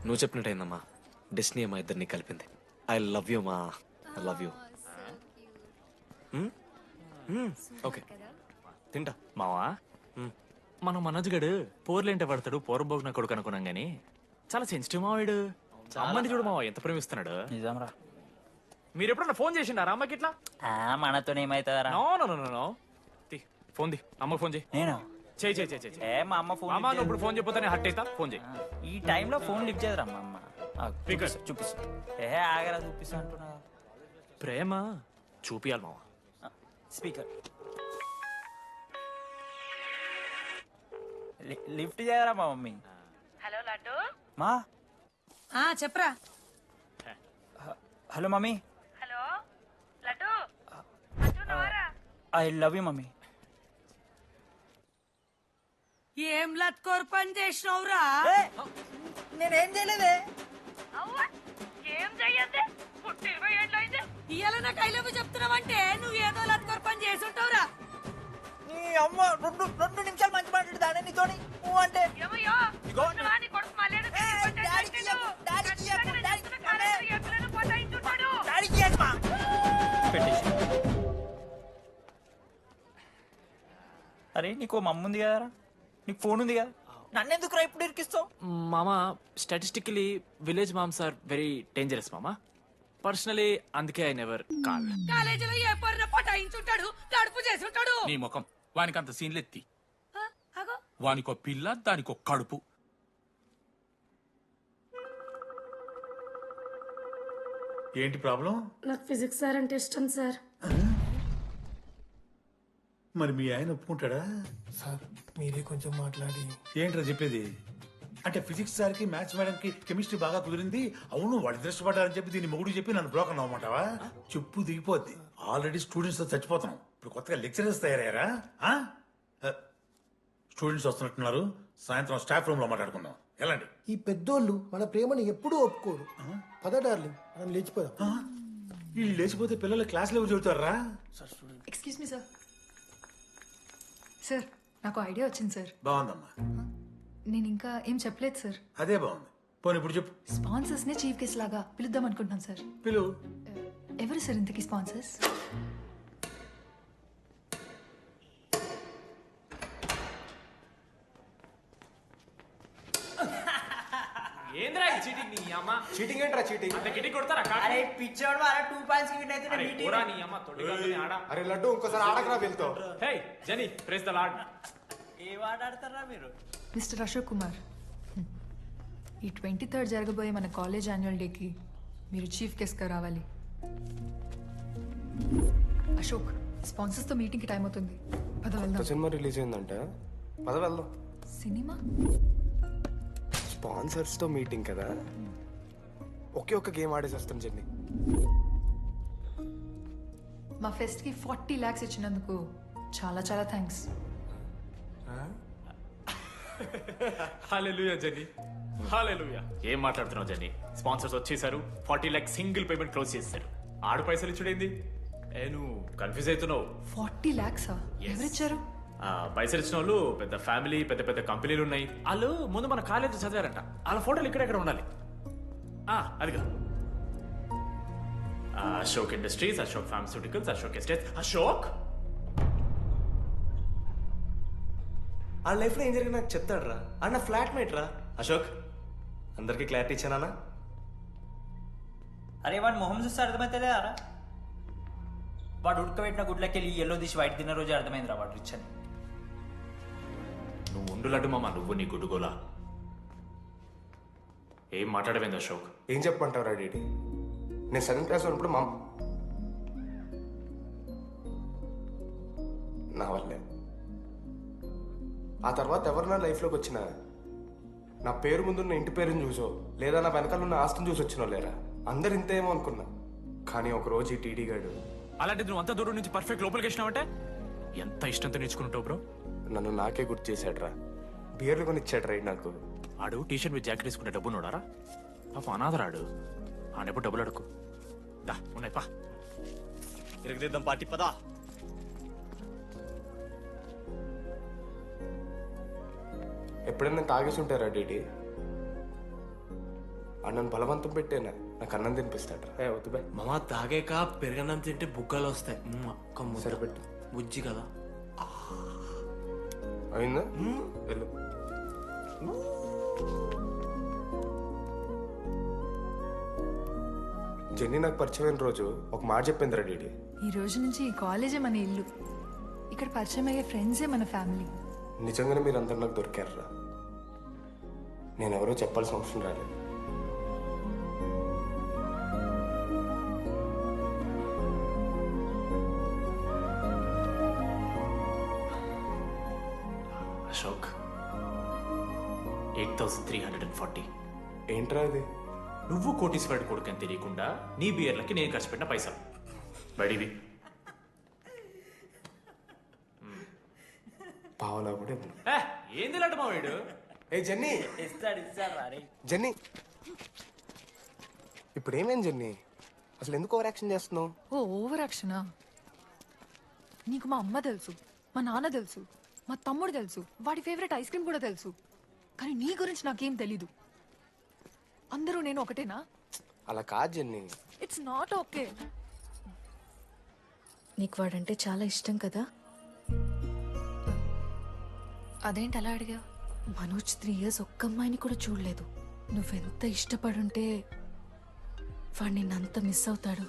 నువ్వు చెప్పినట్టయిందమ్మా. డెస్టినీ మా ఇద్దరిని కలిపింది. ఐ లవ్ యూ మా. I love you. ఓకే తింటా. మావా మనం మనోజ్ గడు పోర్లేంటే పడతాడు పూర్వభోగ్న కొడుకు అనుకున్నాం గానీ చాలా సెన్సిటివ్ మావాడు. అమ్మని చూడు మావా ఎంత ప్రేమిస్తున్నాడు. నిజంరా. మీరు ఎప్పుడన్నా ఫోన్ చేసిండారా అమ్మకి ఇట్లా? మనతో ఏమైతుందరా? No no no no no. Phone ది అమ్మకి ఫోన్ చేయి. నేను చేయి చేయి చేయి చేయి. మా అమ్మ ఫోన్ అమ్మ నువ్వు ఇప్పుడు ఫోన్ చెప్పితే హట్ అవుతా. ఫోన్ చేయి. ఈ టైంలో ఫోన్ లిఫ్ట్ చేయదురా మా అమ్మ. Speaker. చూపిస్తా. ఆగరా చూపిస్తా అంటున్నా. ప్రేమ చూపియాలి మావా. స్పీకర్ లిఫ్ట్ చేయరా మా మమ్మీ. హలో లడ్డు. మా చెప్పరా. Hello mummy. హలో లడ్డు. అంటున్నావారా? I love you mummy. ఏం లత్కోర్ పని చేసినవురా? నేనేం చేయలేదే. అవ్వా ఏం చెయ్యద్దే. పుట్టి 20 ఏళ్ళు అయింది. ఇయ్యాల నాకు ఐ లవ్ యూ చెప్తున్నావంటే నువ్వు ఏదో లత్కోర్ పని చేసి ఉంటావురా. నీ అమ్మ రెండు నిమిషాలు మంచి మాట్లాడుతానే నీతోని. నువ్వు అంటే ఏమయ్యో చూస్తున్నావా నీ కొడుకు మళ్ళీ అరే నీకు మమ్మ ఉంది కదరా, నీకు ఫోన్ ఉంది కదా, నన్నెందుకు రా ఇప్పుడు ఇరికిస్తావు? మామా statistically village moms are very dangerous మామా. పర్సనలీ అందుకే ఐ నెవర్ కాల్. కాలేజీలో ఏ పొరిన పటాయించుంటాడు, కడుపు చేసి ఉంటాడు. నీ ముఖం వానికంత సీన్లెత్తి. అగో వానికో పిల్ల దానికో కడుపు. ఏంటి ప్రాబ్లం? నాకు ఫిజిక్స్ సార్ అంటే ఇష్టం సార్. మరి మీ ఆయన ఒప్పుకుంటాడా? సార్ మీరే కొంచెం మాట్లాడి. ఏంట్రా చెప్పేది? అంటే ఫిజిక్స్ సార్కి మ్యాథ్స్ మేడంకి కెమిస్ట్రీ బాగా కుదిరింది, అవును వాళ్ళు ఇష్టపడ్డారని చెప్పి దీన్ని మొగుడు చెప్పి నన్ను బ్రోకర్ అవ్వమంటావా? చెప్పు దిగిపోద్ది. ఆల్రెడీ స్టూడెంట్స్ తో చచ్చిపోతున్నాం, ఇప్పుడు కొత్తగా లెక్చరర్స్ తయారయ్యారా? స్టూడెంట్స్ వస్తున్నట్టున్నారు, సాయంత్రం స్టాఫ్ రూమ్ లో మాట్లాడుకుందాం. ఎలాంటి ఈ పెద్దోళ్ళు మన ప్రేమను ఎప్పుడూ ఒప్పుకోరు. పద డార్లింగ్ మనం లేచిపోదాం. వీళ్ళు లేచిపోతే పిల్లలు క్లాస్ లెవెల్ చదువుతారా? Excuse me sir. సార్ నాకు ఐడియా వచ్చింది సార్. బాగుందమ్మా. నేను ఇంకా ఏం చెప్పలేదు సార్. అదే బాగుంది. పోనీ ఇప్పుడు చెప్పు. స్పాన్సర్స్ నే చీఫ్ గెస్ట్ లాగా పిలుద్దాం అనుకుంటున్నాను సార్. పిలువు. ఎవరు సార్ ఇంతకీ స్పాన్సర్స్? ఏంద్రా చీటింగ్? నీ అమ్మ చీటింగ్ ఏంట్రా చీటింగ్? అంత గిటి కొడతారా? అరే పిచ్చోడు వాళ్ళ 2 పాయింట్స్ విన్ అయితే అరే పోరా నీ అమ్మ తొడిగాని ఆడ. అరే లడ్డు ఇంకోసారి ఆడకరా వెళ్తావు. హే జని ప్రెస్ ద లార్డ్. ఏ వాడు ఆడతారా మీరు? మిస్టర్ అశోక్ కుమార్, ఈ 23rd జరగబోయే మన కాలేజ్ యాన్యువల్ డేకి మీరు చీఫ్ గెస్ట్గా రావాలి. అశోక్, స్పాన్సర్స్తో మీటింగ్కి టైం అవుతుంది. పద వెళ్దాం. సినిమా రిలీజ్ అయిందంట, పద వెళ్దాం. సినిమా? స్పాన్సర్స్తో మీటింగ్ కదా, ఒకే ఒక్క గేమ్ ఆడేసి వస్తాం జర్నీ. మా ఫెస్ట్కి 40 lakhs ఇచ్చినందుకు చాలా చాలా థ్యాంక్స్. హల్లెలూయా జని, హల్లెలూయా. ఏం మాట్లాడుతున్నావు జని? స్పాన్సర్స్ వచ్చేసారు, 40 lakhs సింగిల్ పేమెంట్ క్లోజ్ చేశారు. ఆడు పైసలు ఇచ్చుడేంది? నువ్వు కన్ఫ్యూజ్ అవుతున్నావు. 40 lakhs ఎవరిచ్చారు? పైసలు ఇచ్చిన వాళ్ళు పెద్ద ఫ్యామిలీ, పెద్ద పెద్ద కంపెనీలు ఉన్నాయి. వాళ్ళు ముందు మన కాలేజ్ చదివారంట, వాళ్ళ ఫోటోలు ఇక్కడెక్కడ ఉండాలి. అదిగా Ashok industries, Ashok pharmaceuticals, Ashok estates. Ashok ఆ లైఫ్లో ఏం జరిగింది నాకు చెప్తాడు రా. అన్న ఫ్లాట్ మేట్ రా అశోక్. అందరికి క్లారిటీ ఇచ్చానా? అరే వాడు మొహం చూస్తే అర్థమైతే అరా, వాడు ఉడకబెట్టిన గుడ్లకి వెళ్ళి ఎల్లో తీసి వైట్ తిన్న రోజు అర్థమైందిరా వాడు రిచ్ అని. నువ్వు ఉండులడ్డు మామ, నువ్వు నీ గుడ్డుగోలా. ఏం మాట్లాడవేంది అశోక్? ఏం చెప్పమంటావు డీడీ? నేను 7th క్లాస్ ఉన్నప్పుడు మా నా వల్లే. ఆ తర్వాత ఎవరు నా లైఫ్లోకి వచ్చినా నా పేరు ముందున్న ఇంటి పేరుని చూసో లేదా నా వెనకాల ఉన్న ఆస్తిని చూసి వచ్చినో లేరా, అందరు ఇంతేమో అనుకున్నా. కానీ ఒకరోజు ఈ టీడీ గాడు అలాంటిది నువ్వు అంత దూరం నుంచి పర్ఫెక్ట్ లోపలికి వచ్చినావంటే ఎంత ఇష్టంతో నేర్చుకుంటావు బ్రో. నన్ను నాకే గుర్తు చేశాడు రా, బియర్లు కొని ఇచ్చాడు రా నాకు. ఆడు టీషర్ట్ మీద జాకెట్ వేసుకుంటే డబ్బు నోడారా? పాప అనాథరాడు, ఆడెప్పుడు డబ్బులు అడుకు. దా ఉన్నాయి పా, ఇరగదిద్దాం పార్టీ పదా. ఎప్పుడైనా తాగేసి ఉంటారా డీడీ? అన్నను బలవంతం పెట్టేనా నాకు అన్నం తినిపిస్తాడు ఏ వద్దు బే మామ తాగాక పెరగన్నం తింటే బుగ్గలు వస్తాయి అక్క ముద్ద. సరిపెట్టు. బుజ్జి కదా. అయిందా వెళ్ళు జెన్నీ నాకు పరిచయమైన రోజు ఒక మాట చెప్పింది రా డీడీ. ఈ రోజు నుంచి ఈ కాలేజే మన ఇల్లు. ఇక్కడ పరిచయం అయ్యే ఫ్రెండ్సే మన ఫ్యామిలీ. నిజంగానే మీరు అందరు నాకు దొరికారురా. నేను ఎవరో చెప్పాల్సిన అవసరం రాలేదు. అశోక్ 8,340. ఏంట్రా అది? నువ్వు కోటీశ్వరుడు కొడుకు అని తెలియకుండా నీ బియర్లకి నేను ఖర్చు పెట్టిన పైసలు బడివి. పావలా కూడా ఇవ్వను. ఏంది లాంటి మా వీడు? ఏ జెన్నీ ఇస్తాడు రా. జెన్నీ ఇప్పుడు ఏమేం జెన్నీ అసలు ఎందుకు ఓవర్ యాక్షన్ చేస్తున్నావు? ఓ ఓవర్ యాక్షనా? నీకు మా అమ్మ తెలుసు, మా నాన్న తెలుసు, మా తమ్ముడు తెలుసు, వాడి ఫేవరెట్ ఐస్ క్రీమ్ కూడా తెలుసు. కానీ నీ గురించి నాకేం తెలీదు. అందరూ నేను ఒకటేనా? అలా కాదు జెన్నీ. It's not okay. నీకు వాడంటే చాలా ఇష్టం కదా? అదేంటి అలా అడిగా? మనోజ్ 3 years ఒక్క అమ్మాయిని కూడా చూడలేదు. నువ్వెంత ఇష్టపడుంటే వాడు నిన్నంత మిస్ అవుతాడు.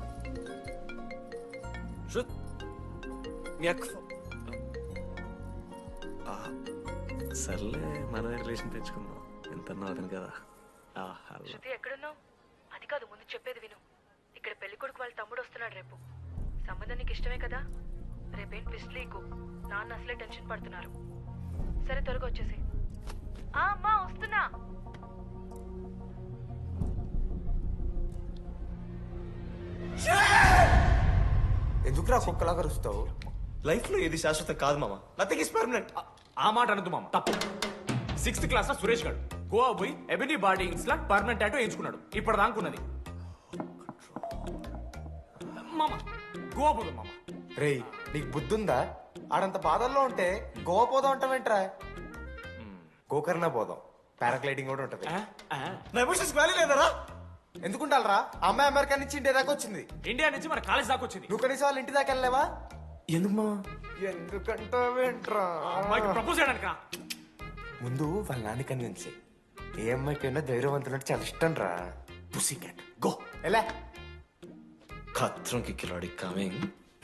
సర్లే మన రిలేషన్ తెచ్చుకుందాం. ఎంత అతను కదా. శృతి ఎక్కడున్నావు? అది కాదు, ముందు చెప్పేది విను. ఇక్కడ పెళ్లి కొడుకు వాళ్ళ తమ్ముడు వస్తున్నాడు రేపు. సంబంధం నీకు ఇష్టమే కదా? రేపేం ట్విస్ట్ లీకు. నాన్న అసలే టెన్షన్ పడుతున్నారు. సరే త్వరగా వచ్చేసి. అమ్మా వస్తున్నా. ఎందుకురా కుక్కలాగా రుస్తావు? లైఫ్ లో ఏది శాశ్వతం కాదు మామ. Nothing is permanent. ఆ మాట అనదు మామ, తప్పు. 6th క్లాస్ లో సురేష్ గారు గోవా పోయి ఎబినీ బార్డింగ్స్ లా పర్మనెంట్ టాటూ ఎంచుకున్నాడు. ఇప్పుడు దానుకున్నది మామ. గోవా పోదు మామ. రేయ్ నీకు బుద్ధుందా? ఆడంత బాధల్లో ఉంటే గోవా పోదాం అంటావేంట్రా? గోకర్ణ పోదాం, పారాగ్లైడింగ్ కూడా ఉంటది. నా ఎమోషన్స్ వాల్యూ లేదరా? ఎందుకుంటారా? అమ్మాయి అమెరికా నుంచి ఇండియా దాకా వచ్చింది. ఇండియా నుంచి మన కాలేజ్ దాకా వచ్చింది. నువ్వు కనీసం వాళ్ళ ఇంటి దాకా వెళ్ళలేవా? ఎందుకు మామ? ఎందుకంటావేంట్రా? అమ్మాయికి ప్రపోజ్ చేయడానికి రా. ముందు వాళ్ళ నాన్న కన్విన్స్. ఏ అమ్మాయికైనా ధైర్యవంతులంటే చాలా ఇష్టం రా. Pussy cat go. ఎలా? ఖత్రం కి కిలాడి కమింగ్.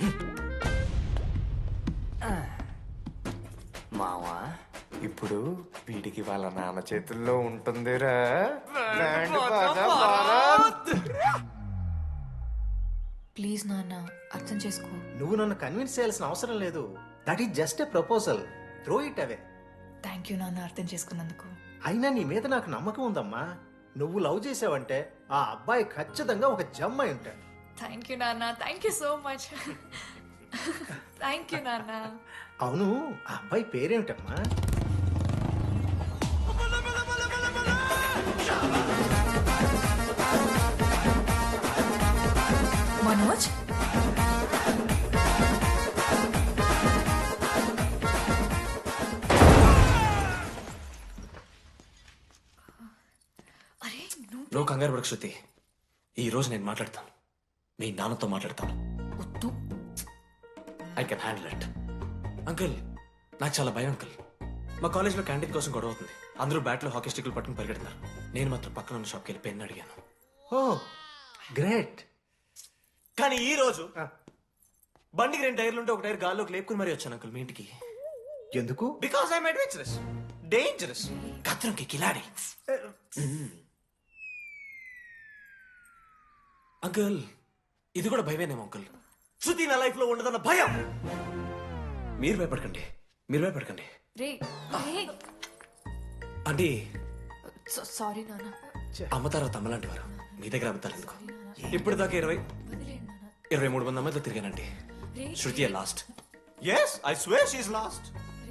మావా ఇప్పుడు వీడికి వాళ్ళ నాన్న చేతుల్లో ఉంటుందిరా. ప్లీజ్ నాన్న, అర్థం చేసుకో. నువ్వు నన్ను కన్విన్స్ చేయాల్సిన అవసరం లేదు. That is just a proposal. Throw it away. Thank you నాన్న, అర్థం చేసుకున్నందుకు. అయినా నీ మీద నాకు నమ్మకం ఉందమ్మా. నువ్వు లవ్ చేసావంటే ఆ అబ్బాయి ఖచ్చితంగా ఒక జమ్ అయి ఉంటాడు. థ్యాంక్ యూ నాన్న, thank you so much. Thank you నాన్న. అవును, ఆ అబ్బాయి పేరేమిటమ్మా? మనోజ్. అరే నువ్వు కంగారు పడకు శృతి. ఈ రోజు నేను మాట్లాడతాను. మీ నాన్నతో మాట్లాడతాను. వద్దు. I can handle it. Uncle నాకు చాలా భయం అంకుల్. మా కాలేజ్లో క్యాంటీన్ కోసం గొడవ అవుతుంది. అందరూ బ్యాట్లో హాకీ స్టిక్లు పట్టుకుని పరిగెడుతున్నారు. నేను మాత్రం పక్కన ఉన్న షాప్కి వెళ్ళి పెన్ అడిగాను. Oh great. కానీ ఈ రోజు బండికి 2 టైర్లు ఉంటే ఒక టైర్ గాల్లోకి లేపుకుని మరీ వచ్చాను అంకుల్ మీ ఇంటికి. ఎందుకు? బికాస్ ఐఎమ్ అడ్వెంచరస్, డేంజరస్, కత్రంకి కిలాడి. అంకుల్ ఇది కూడా భయమేనేమో అంకుల్. శృతి నా లైఫ్ లో ఉండదన్న భయం. మీరు భయపడకండి, మీరు భయపడకండి. రే రే. అంటే సారీ నాన్న. అమ్మ తర్వాత అమ్మలాంటి వారు. మీ దగ్గర అమ్ముతారు ఎందుకు? ఇప్పుడు దాకా 23 మంది అమ్మాయితో తిరిగానండి. Shruti lost. Yes I swear she is lost.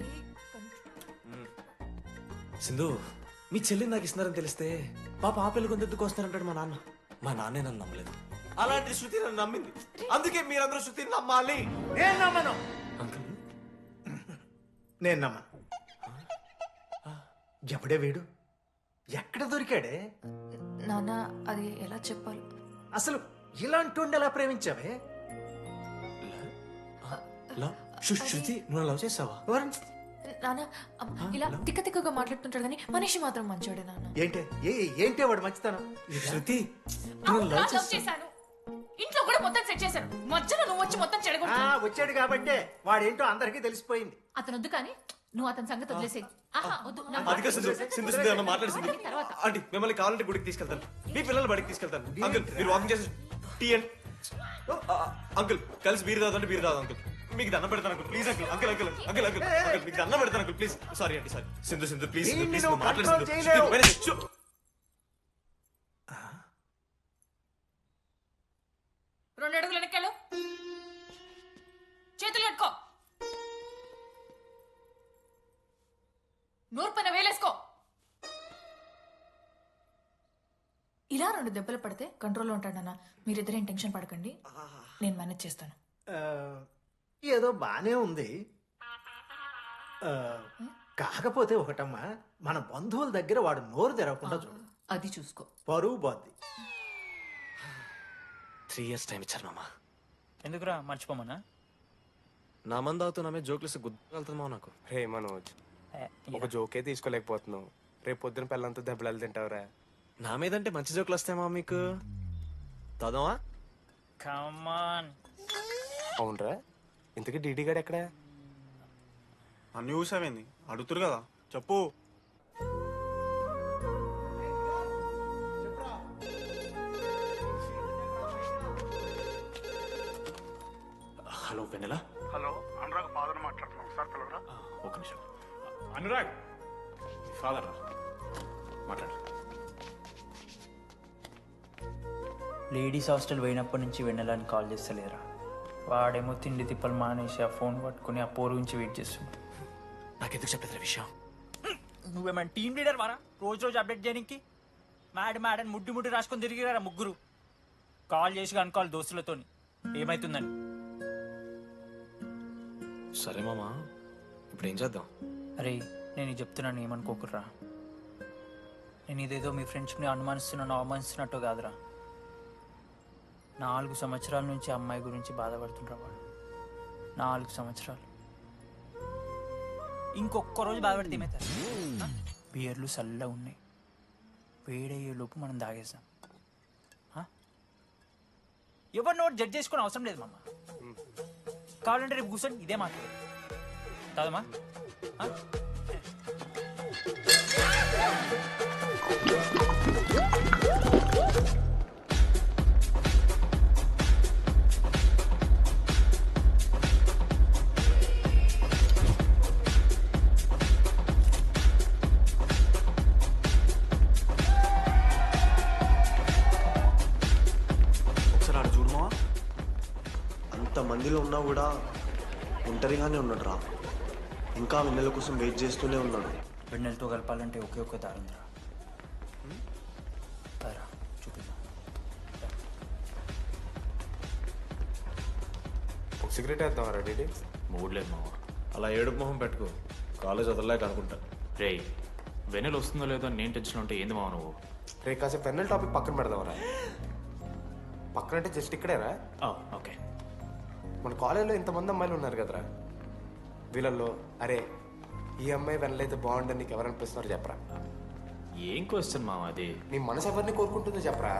Sindhu మీ చెల్లిని నాకు ఇస్తున్నారని తెలిస్తే పాప ఆ పెళ్లి కొందెందుకు వస్తున్నారంటాడు మా నాన్న. మా నాన్నే నన్ను నమ్మలేదు. అలాంటి శృతి నన్ను నమ్మింది. అందుకే మీరందరూ శృతిని నమ్మాలి. నేను నమ్మను. అంకుల్ నేను నమ్మను. ఎవడే వీడు? ఎక్కడ దొరికాడే? నాన్న అది ఎలా చెప్పాలి? అసలు ఇలాంటి ఎలా ప్రేమించావే? శృతి నువ్వు లవ్ చేసావా? నాన్న ఇలా తిక్కగా మాట్లాడుతుంటాడు కానీ మనిషి మాత్రం మంచోడే నాన్న. ఏంటే వాడు మంచితనం? శృతి లవ్ చేశాను, ఇంట్లో కూడా మొత్తం సెట్ చేశాను, మధ్యలో నువ్వు వచ్చి మొత్తం చెడగొట్టావు. వచ్చాడు కాబట్టే వాడేంటో అందరికీ తెలిసిపోయింది. అతను వద్దు కానీ నువ్వు అతని సంగతి వదిలేసేయి. తర్వాత ఆంటీ మిమ్మల్ని కావాలంటే గుడికి తీసుకెళ్తాను, మీ పిల్లలు బడికి తీసుకెళ్తాను. అంకుల్ మీరు వాకింగ్ చేసి టీ అండ్ అంకుల్ కలిసి బీరు తాగుతుంటే బీరు తాగు అంకుల్. మీకు దండం పెడతాను uncle please uncle. Uncle uncle uncle uncle uncle మీకు దండం పెడతాను అంకుల్ ప్లీజ్. సారీ అండి సారీ. సింధు ప్లీజ్ ప్లీజ్ మాట్లాడు. 2 అడుగులు వెనకాలు, చేతులు కట్టుకో, నూరు పైన వేలేసుకో. ఇలా 2 దెబ్బలు పడితే కంట్రోల్లో ఉంటాడన్నా. మీరిద్దరేం టెన్షన్ పడకండి, నేను మేనేజ్ చేస్తాను. ఏదో బానే ఉంది. కాకపోతే ఒకటమ్మా, మన బంధువుల దగ్గర వాడు నోరు తెరవకుండా చూడు. అది చూసుకో, పరువు బాద్ది. 3 years టైం ఇచ్చారు మామ. ఎందుకురా మర్చిపోమన్నా? నా మంది అవుతూ నా మీద జోక్లు గుర్తుకెళ్తుంది మామ నాకు. రే మనోజ్, ఒక జోకే తీసుకోలేకపోతున్నావు. రేపు పొద్దున పిల్లలతో దెబ్బలు తింటావురా. నా మీదంటే మంచి జోకులు వస్తాయి మామ మీకు. తదమా కమాన్. అవునరా, ఇంతకీ డీడీ గారు ఎక్కడా? అన్ని చూసామేంది అడుగుతురు కదా చెప్పు. Hello Vennela. Hello Anurag father మాట్లాడుతున్నాం సార్, పిలవరా? ఒక నిమిషం. అనురాగ్ ఫాదర్ మాట్లాడు. లేడీస్ హాస్టల్ పోయినప్పటి నుంచి వెన్నెలని కాల్ చేస్తలేరా? వాడేమో తిండి తిప్పలు మానేసి ఆ ఫోన్ పట్టుకుని ఆ పోరు గురించి వెయిట్ చేస్తుంది. నాకెందుకు చెప్పలేదు విషయం? నువ్వేమైనా టీమ్ లీడర్ వారా రోజు అప్డేట్ చేయడానికి? మేడం ముడ్డి రాసుకొని తిరిగిరారా ముగ్గురు. కాల్ చేసి కనుకోవాలి దోస్తులతోని ఏమైతుందని. సరే మామా, ఇప్పుడు ఏం చేద్దాం? అరే నేను చెప్తున్నాను, ఏమనుకోకుర్రా. నేను ఇదేదో మీ ఫ్రెండ్షిప్ని అనుమానిస్తున్నాను అవమానిస్తున్నట్టు కాదురా. 4 సంవత్సరాల నుంచి అమ్మాయి గురించి బాధపడుతుండ్రా వాడు. 4 సంవత్సరాలు. ఇంకొక్క రోజు బాధపడితే ఏమవుతారు? బియర్లు చల్లగా ఉన్నాయి, వేడయ్యే లోపు మనం తాగేసాం. ఎవరిని ఒకటి జడ్జ్ చేసుకుని అవసరం లేదు మామ. కావాలంటే రేపు కూర్చొని ఇదే మాట్లాడు కాదమ్మా. ఒకసారి ఆడ చూడమా. అంత మందిలో ఉన్నా కూడా ఒంటరిగానే ఉన్నాడు రా. ఇంకా వెన్నెల కోసం వెయిట్ చేస్తూనే ఉన్నాడు. వెన్నెలతో కలపాలంటే ఒకే ఒక్క దారుందిరా. చూపిద్దాం. ఒక సిగరెట్ వేద్దాం రెడీ. మూడ్ లేదు మామ. అలా ఏడుపు మొహం పెట్టుకో, కాలేజ్ వదలలేక అనుకుంటా. రే వెన్నెల వస్తుందో లేదో అని నేను టెన్షన్ ఉంటే ఏంది మావ నువ్వు? రే కాసేపు పెన్నెల టాపిక్ పక్కన పెడదాంరా. పక్కన అంటే జస్ట్ ఇక్కడేరా. ఓకే. మన కాలేజ్లో ఇంతమంది అమ్మాయిలు ఉన్నారు కదరా, వీళ్ళల్లో అరే ఈ అమ్మాయి వెనలైతే బాగుండని నీకు ఎవరనిపిస్తున్నారు చెప్పరా? ఏం క్వశ్చన్ మామ అది? నీ మనసు ఎవరిని కోరుకుంటుందో చెప్పరా?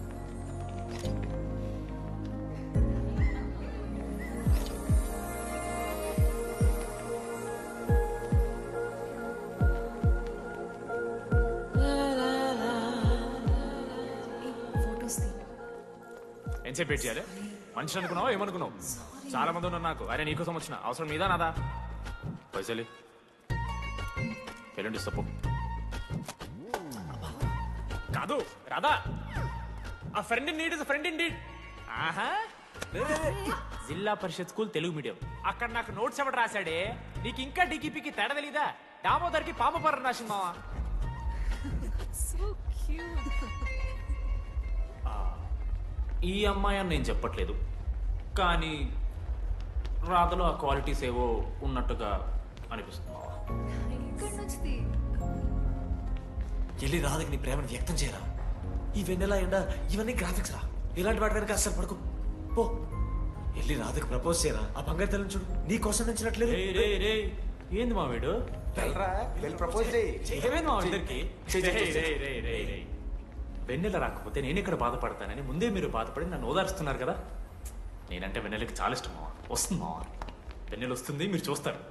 ఎంతసేపు వెయిట్ చేయాలి? మనిషి అనుకున్నావా ఏమనుకున్నావు? చాలా మంది ఉన్నారు నాకు. అరే నీకోసం వచ్చిన అవసరం మీదా నాదా? పైసలి ఎల్లుండి సప్పు కాదు రాదా? A friend in need is friend in need. ఆహా, జిల్లా పరిషత్ స్కూల్ తెలుగు మీడియం. అక్కడ నాకు నోట్స్ ఎవడు రాశాడే? నీకు ఇంకా డీకీపీకి తేడా తెలీదా? దామోదర్కి పామపర్రం రాసింది మావా. ఈ అమ్మాయి అని నేను చెప్పట్లేదు, కానీ రాధలో ఆ క్వాలిటీస్ ఏవో ఉన్నట్టుగా అనిపిస్తుంది. వెళ్ళి రాధకి నీ ప్రేమను వ్యక్తం చేయరా. ఈ వెన్నెల ఎండ ఇవన్నీ గ్రాఫిక్స్ రా. ఇలాంటి వాటి వెనక అస్సలు పడుకో. పో వెళ్ళి రాధకు ప్రపోజ్ చేయరా. ఆ బంగారు తల్లిని చూడు నీ కోసం నచ్చినట్లేదు. ఏంది మా వీడు వెళ్ళరా వెళ్ళి ప్రపోజ్ చేయి. ఏమైంది మా ఇద్దరికి? వెన్నెల రాకపోతే నేను ఇక్కడ బాధపడతానని ముందే మీరు బాధపడి నన్ను ఓదారుస్తున్నారు కదా. నేనంటే వెన్నెలకి చాలా ఇష్టం మావా. వస్తుంది మావా, వెన్నెల వస్తుంది, మీరు చూస్తారు.